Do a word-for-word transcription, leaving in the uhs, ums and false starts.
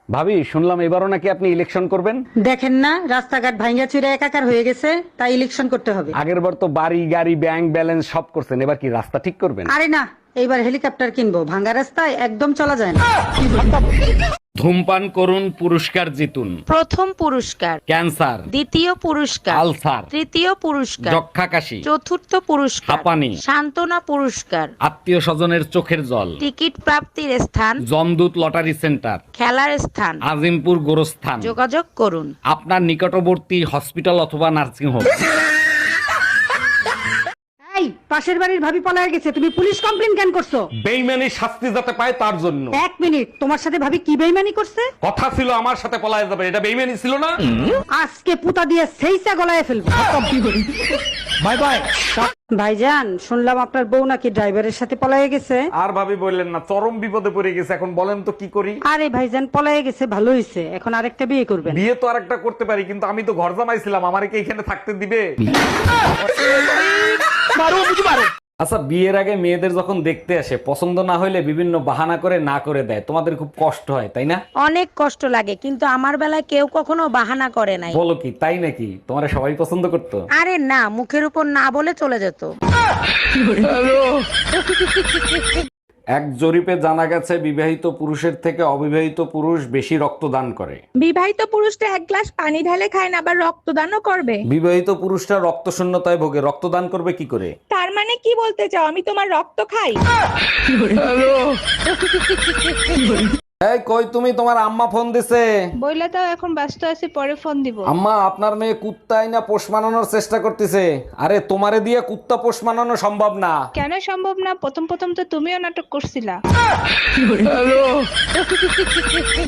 ভাবি, শুনলাম এবারও নাকি আপনি ইলেকশন করবেন। দেখেন না রাস্তাঘাট ভাঙ্গা চুরে একাকার হয়ে গেছে, তাই ইলেকশন করতে হবে। আগের বার তো বাড়ি গাড়ি ব্যাংক ব্যালেন্স সব করছেন, এবার কি রাস্তা ঠিক করবেন? আরে না, এইবার হেলিকপ্টার কিনবো, ভাঙ্গা রাস্তায় একদম চলা যায় না। ধূমপান করুন, পুরস্কার জিতুন। প্রথম পুরস্কার, ক্যান্সার, দ্বিতীয় পুরস্কার, আলসার, তৃতীয় পুরস্কার, যক্ষা কাশি, চতুর্থ পুরস্কার, হাঁপানি, সান্ত্বনা পুরস্কার, আত্মীয় স্বজনের চোখের জল, টিকিট প্রাপ্তির স্থান, জমদূত লটারি সেন্টার, খেলার স্থান। আজিমপুর গোরস্থান, যোগাযোগ করুন। আপনার নিকটবর্তী হসপিটাল অথবা নার্সিং হোম। এই পাশের বাড়ির ভাবি পলায় গেছে, তুমি পুলিশ কমপ্লেন কেন করছো? বেইমানি শাস্তি যাতে পায় তার জন্য। এক মিনিট, তোমার সাথে ভাবি কি বেইমানি করছে? কথা ছিল আমার সাথে পলায় যাবে, এটা বেইমানি ছিল না? আজকে পুতা দিয়ে সেইসা গলায় ফেলবো। Bye bye. ভাইজান, শুনলাম আপনার বউ নাকি ড্রাইভারের সাথে পলায় গেছে। আর ভাবি বললেন না, চরম বিপদে পড়ে গেছে, এখন বলেন তো কি করি? আরে ভাইজান, পলায় গেছে ভালো হয়েছে, এখন আরেকটা বিয়ে করবেন। বিয়ে তো আরেকটা করতে পারি, কিন্তু আমি তো ঘর জামাইছিলাম, আমারে কি এখানে থাকতে দিবে? আচ্ছা, বিয়ের আগে মেয়েদের যখন দেখতে আসে, পছন্দ না হইলে বিভিন্ন বাহানা করে না করে দেয়, তোমাদের খুব কষ্ট হয় তাই না? অনেক কষ্ট লাগে, কিন্তু আমার বেলায় কেউ কখনো বাহানা করে নাই। বলো কি, তাই নাকি? তোমারে সবাই পছন্দ করতো? আরে না, মুখের উপর না বলে চলে যেত। এক জরিপে জানা গেছে বিবাহিত পুরুষের থেকে অবিবাহিত পুরুষ বেশি রক্তদান করে। বিবাহিত পুরুষটা এক গ্লাস পানি ঢালে খায় না, আবার রক্তদানও করবে। বিবাহিত পুরুষরা রক্ত শূন্যতায় ভোগে, রক্তদান করবে কি করে? তার মানে কি বলতে চাও, আমি তোমার রক্ত খাই? এই কই তুমি, তোমার আম্মা ফোন দিছে। বইলা তাও এখন ব্যস্ত আছি, পরে ফোন দিব। আম্মা, আপনার মেয়ে কুত্তাই না পোষ মানানোর চেষ্টা করতেছে। আরে তোমারে দিয়ে কুত্তা পোষ মানানো সম্ভব না। কেন সম্ভব না? প্রথম প্রথম তো তুমিও নাটক করছিলা।